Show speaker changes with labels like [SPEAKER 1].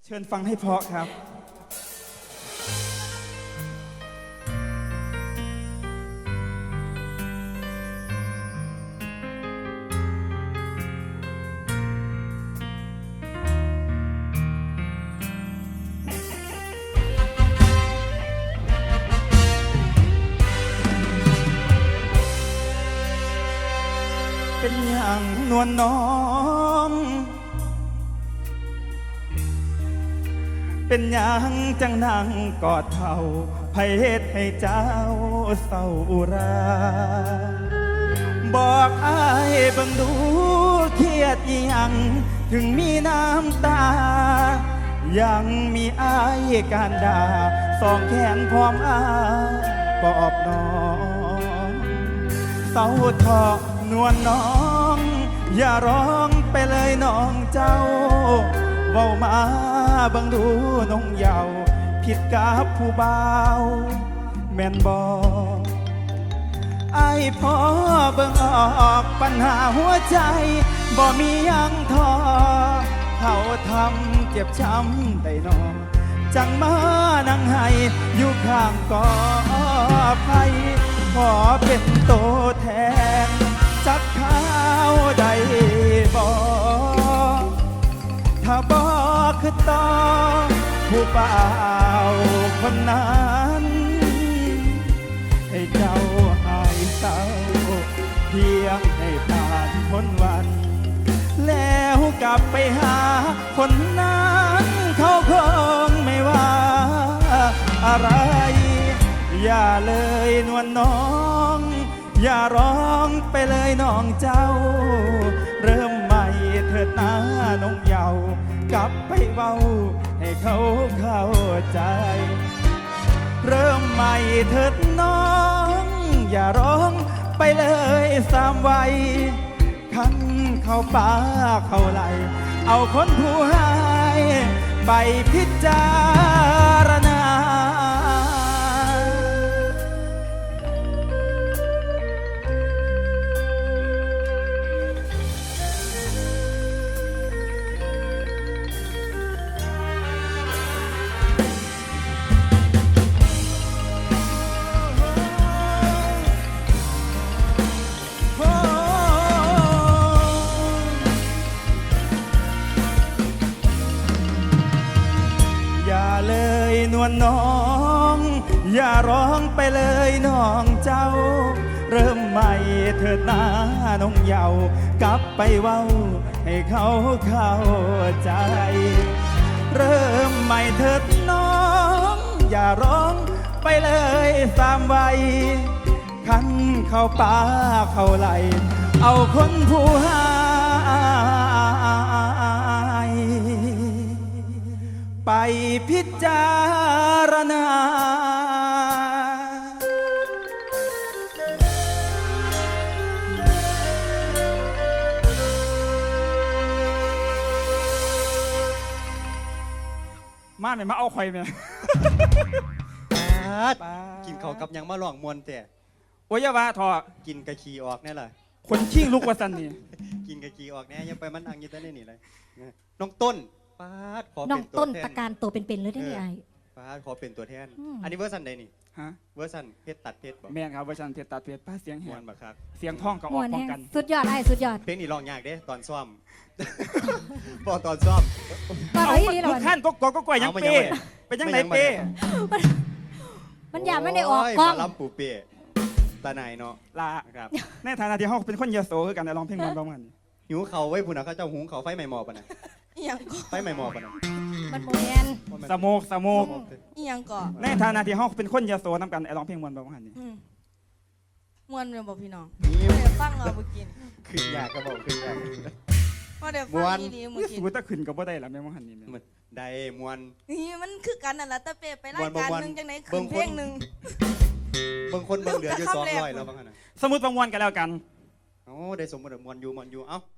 [SPEAKER 1] เชิญฟังให้เพราะครับเป็นอย่างนวลน้องเป็นอย่างจังนั่งกอดเท่าไผเฮ็ดให้เจ้าเศร้าอุราบอกอ้ายเบิ่งดูเครียดอีหยังถึงมีน้ำตายังมีอ้ายการด่าสองแขนพร้อมอ้าปอบน้องเศร้าทอนวลน้องอย่าร้องไปเลยน้องเจ้าเว้ามาบังดูน้องเยาว์ผิดกับผู้บ่าวแม่นบอกไอ้พ่อเบิ่งออกปัญหาหัวใจบ่มียังทอเขาทำเจ็บช้ำได้นอจังมานั่งให้อยู่ข้างกอไผ่ขอเป็นตัวแทนจักข้าวใดบอกถ้าบอกคือต่อผู้เปล่าคนนั้นให้เจ้าหายเศร้าเพียงให้ผ่านพ้นวันแล้วกลับไปหาคนนั้นเขาคงไม่ว่าอะไรอย่าเลยนวลน้องอย่าร้องไปเลยน้องเจ้าเริ่มใหม่เถิดนะน้องเยาว์กลับไปเว้าให้เขาเข้าใจเริ่มใหม่เถิดน้องอย่าร้องไปเลยสามวัยขันเข้าป่าเข้าไหลเอาคนผู้ให้ไปพิจารณานวลน้องอย่าร้องไปเลยน้องเจ้าเริ่มใหม่เถิดนะน้องเยาว์กลับไปเว้าให้เขาเข้าใจเริ่มใหม่เถิดน้องอย่าร้องไปเลยสามวัยขันเข้าป่าเข้าไหลเอาคนผู้หายไปพิจารณามาไหนมาเอาข่อยเนี่ย
[SPEAKER 2] กินเขากับยังมาหลองมวนแต่
[SPEAKER 1] โอ้ยว่าทอ
[SPEAKER 2] กินกะขีออกแน่ล่ะ
[SPEAKER 1] คนขี้ลุกว่าสันนี่
[SPEAKER 2] กินกะขีออกแน่ยังไปมันอังยี่ต้นนี่เลยน้องต้นขอเป็นตัวแทนน้องต้น
[SPEAKER 3] ตะการตัวเป็นๆเลยได้ไง
[SPEAKER 2] ขอเป็นตัวแทนอันนี้เวอร์ชันใดนี่
[SPEAKER 1] ฮะ
[SPEAKER 2] เวอร์ชันเพชรตัดเพชรบอก
[SPEAKER 1] แม่นครับเวอร์ชันเพชรตัดเพชรป้าเสียงแหบ
[SPEAKER 2] บักครับ
[SPEAKER 1] เสียงท่องกับออกป้องกัน
[SPEAKER 3] สุดยอดไอ้สุดยอด
[SPEAKER 2] เพลงนี้ร้องยากเด้ตอนซ้อมพอตอนซ้อม
[SPEAKER 3] เอา
[SPEAKER 1] ทุกขั้นก็กล้วยยังเป้เป็นยังไงเป้
[SPEAKER 3] มันอยากไม่ได้ออกกล้อง
[SPEAKER 2] ลำปูเป้ตาไหนเนาะ
[SPEAKER 1] ลาครับในฐานะที่เขาเป็นคนยโสคือกันร้องเพลงร้องกัน
[SPEAKER 2] หิวเขาไว้ผู้น่ะเขาเจ้าหุงเขาไฟใหม่หมอปะนะไฟใหม่หมอปะนะ
[SPEAKER 3] มันโมเมน
[SPEAKER 1] สโมก
[SPEAKER 4] อีหยังก่อ
[SPEAKER 1] ในฐานะที่เขาเป็นคนยโสนำกันร้องเพลงมวนร้องกันนี่
[SPEAKER 4] มวนเลยบอกพี่น้องเดี๋ยวฟังเราเมื่อกี้
[SPEAKER 2] ขึ้นยากก็บอกขึ้นยาก
[SPEAKER 4] เดี๋ยวฟังดี
[SPEAKER 1] เมื่อกี้ถ้าขึ้นก็บ่ได้ละแม่มหันนี่
[SPEAKER 2] ได้มวน
[SPEAKER 4] นี่มันคือกันนั่นแหละแต่เปไปรายการนึงจังไหนขึ้นเพลงนึง
[SPEAKER 2] บางคนบางเหลืออยู่200แล้วบางขณะ
[SPEAKER 1] สมมุติบางวันกันแล้วกัน
[SPEAKER 2] โอ้ได้สมมุติมวนอยู่เอ้า